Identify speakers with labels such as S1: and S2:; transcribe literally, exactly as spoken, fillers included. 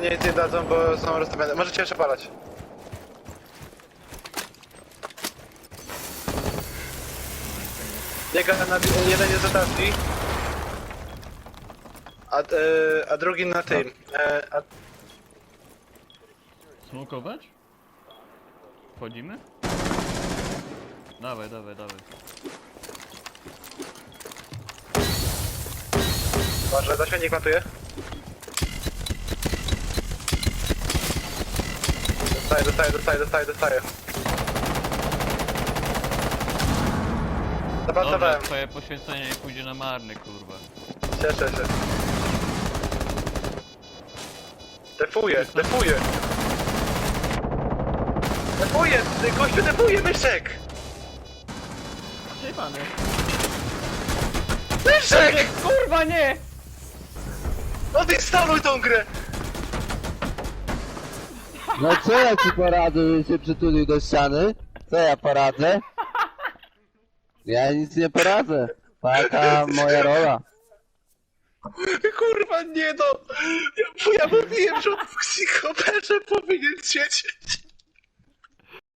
S1: nic nie dadzą, bo są rozstawione. Możecie jeszcze palać. Biega na... jeden jest za tarczy. A, e, a drugi na tym. E, a...
S2: Smokować? Wchodzimy? Dawaj, dawaj, dawaj.
S1: Może za śmietnik matuje? Dostaję, dostaję, dostaję, dostaję, dostaję.
S2: Dobra,
S1: Zapansowałem.
S2: twoje poświęcenie nie pójdzie na marny, kurwa.
S1: Cieszę się. Defuję, defuję. Defuję, ty gościu defuje, myszek!
S2: Przejebany.
S1: Myszek!
S2: Kurwa nie!
S1: Odinstaluj tą grę!
S3: No co ja ci poradzę, że się przytulił do ściany? Co ja poradzę? Ja nic nie poradzę. Taka moja rola.
S1: Kurwa, nie no! Ja, ja mówiłem, że on w psychoperze powinien siedzieć.